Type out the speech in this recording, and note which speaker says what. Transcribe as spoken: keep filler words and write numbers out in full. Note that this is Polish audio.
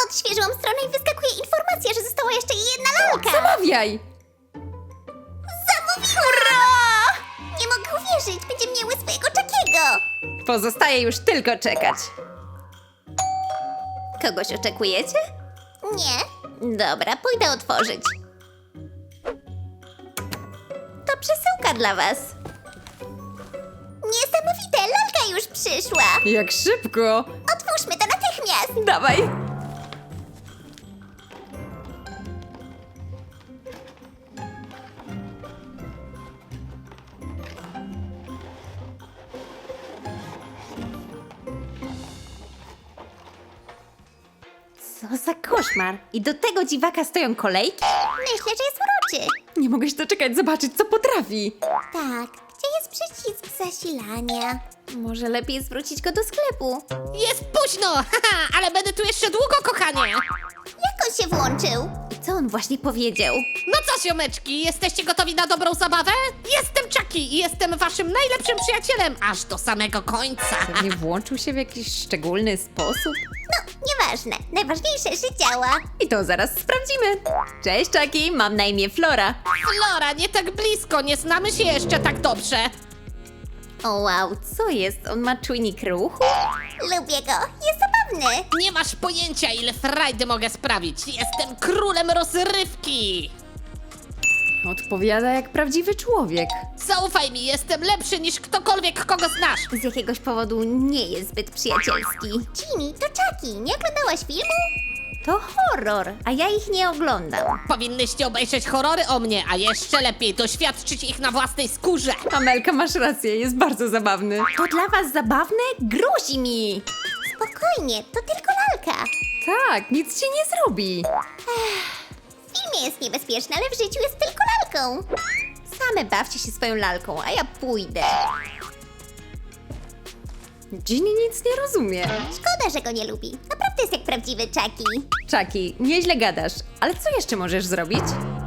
Speaker 1: Odświeżyłam stronę i wyskakuje informacja, że została jeszcze jedna lalka.
Speaker 2: Zamawiaj!
Speaker 1: Zamówiłam! Nie mogę uwierzyć, będziemy miały swojego Chuckiego.
Speaker 2: Pozostaje już tylko czekać. Kogoś oczekujecie?
Speaker 1: Nie? Dobra, pójdę otworzyć. To przesyłka dla was. Niesamowite, lalka już przyszła.
Speaker 2: Jak szybko!
Speaker 1: Otwórzmy to natychmiast.
Speaker 2: Dawaj! Co za koszmar! I do tego dziwaka stoją kolejki?
Speaker 1: Myślę, że jest uroczy.
Speaker 2: Nie mogę się doczekać zobaczyć, co potrafi.
Speaker 1: Tak, gdzie jest przycisk zasilania? Może lepiej zwrócić go do sklepu.
Speaker 3: Jest późno, haha, ale będę tu jeszcze długo, kochanie.
Speaker 1: Jak on się włączył?
Speaker 2: I co on właśnie powiedział?
Speaker 3: No co, ziomeczki, jesteście gotowi na dobrą zabawę? Jestem Chucky i jestem waszym najlepszym przyjacielem, aż do samego końca.
Speaker 2: Pewnie włączył się w jakiś szczególny sposób?
Speaker 1: No, nieważne. Najważniejsze, że działa.
Speaker 2: I to zaraz sprawdzimy. Cześć, Chucky, mam na imię Flora.
Speaker 3: Flora, nie tak blisko, nie znamy się jeszcze tak dobrze.
Speaker 2: O wow, co jest? On ma czujnik ruchu?
Speaker 1: Lubię go. Jest zabawny.
Speaker 3: Nie masz pojęcia, ile frajdy mogę sprawić. Jestem królem rozrywki.
Speaker 2: Odpowiada jak prawdziwy człowiek.
Speaker 3: Zaufaj mi, jestem lepszy niż ktokolwiek, kogo znasz.
Speaker 2: Z jakiegoś powodu nie jest zbyt przyjacielski.
Speaker 1: Ginny, to Chucky. Nie oglądałaś filmu?
Speaker 2: To horror, a ja ich nie oglądam.
Speaker 3: Powinnyście obejrzeć horrory o mnie, a jeszcze lepiej doświadczyć ich na własnej skórze.
Speaker 2: Amelka, masz rację, jest bardzo zabawny. To dla was zabawne? Gruzi mi!
Speaker 1: Spokojnie, to tylko lalka.
Speaker 2: Tak, nic ci nie zrobi.
Speaker 1: W filmie jest niebezpieczny, ale w życiu jest tylko lalką.
Speaker 2: Same bawcie się swoją lalką, a ja pójdę. Ginny nic nie rozumie.
Speaker 1: Szkoda, że go nie lubi. Naprawdę jest jak prawdziwy Chucky.
Speaker 2: Chucky, nieźle gadasz, ale co jeszcze możesz zrobić?